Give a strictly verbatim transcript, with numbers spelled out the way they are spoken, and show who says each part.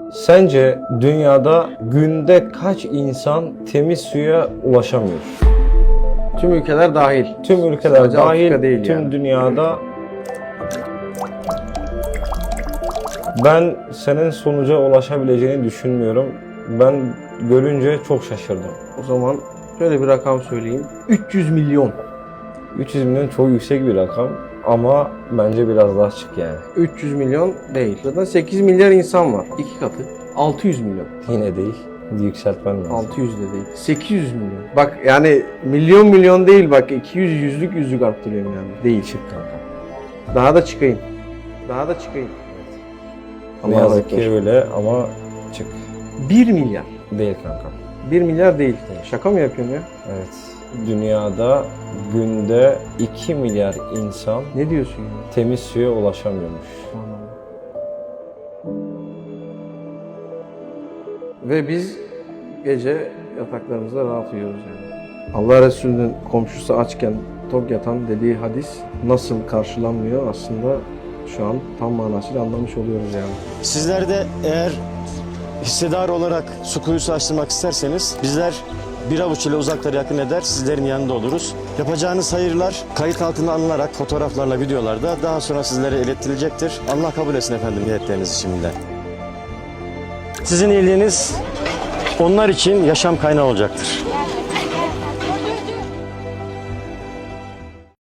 Speaker 1: Sence dünyada günde kaç insan temiz suya ulaşamıyor?
Speaker 2: Tüm ülkeler dahil.
Speaker 1: Tüm ülkeler
Speaker 2: Sadece
Speaker 1: dahil,
Speaker 2: Afrika değil
Speaker 1: tüm
Speaker 2: yani.
Speaker 1: dünyada. Ben senin sonuca ulaşabileceğini düşünmüyorum. Ben görünce çok şaşırdım.
Speaker 2: O zaman şöyle bir rakam söyleyeyim. üç yüz milyon.
Speaker 1: üç yüz milyon çok yüksek bir rakam ama bence biraz daha çık yani.
Speaker 2: üç yüz milyon değil. Zaten sekiz milyar insan var. İki katı. altı yüz milyon.
Speaker 1: Yine değil. Yükseltmen lazım.
Speaker 2: altı yüz de değil. sekiz yüz milyon. Bak yani milyon milyon değil bak. iki yüz yüzlük yüzlük arttırıyorum yani. Değil.
Speaker 1: Çık kanka.
Speaker 2: Daha da çıkayım. Daha da çıkayım.
Speaker 1: Ne
Speaker 2: Allah
Speaker 1: yazık ki
Speaker 2: razı olsun.
Speaker 1: öyle ama çık.
Speaker 2: bir milyar.
Speaker 1: Değil kanka.
Speaker 2: bir milyar değil. Şaka mı yapıyorsun ya?
Speaker 1: Evet. Dünyada günde iki milyar insan
Speaker 2: Ne diyorsun ya?
Speaker 1: temiz suya ulaşamıyormuş.
Speaker 2: Ve biz gece yataklarımızda rahat uyuyoruz yani. Allah Resulü'nün komşusu açken tok yatan dediği hadis nasıl karşılanmıyor aslında şu an tam manasıyla anlamış oluyoruz yani.
Speaker 3: Sizler de eğer hissedar olarak su kuyusu açtırmak isterseniz bizler bir avuç ile uzakları yakın eder, sizlerin yanında oluruz. Yapacağınız hayırlar kayıt altına alınarak fotoğraflarla, videolarda daha sonra sizlere iletilecektir. Allah kabul etsin efendim niyetlerinizi şimdiden. Sizin iyiliğiniz onlar için yaşam kaynağı olacaktır.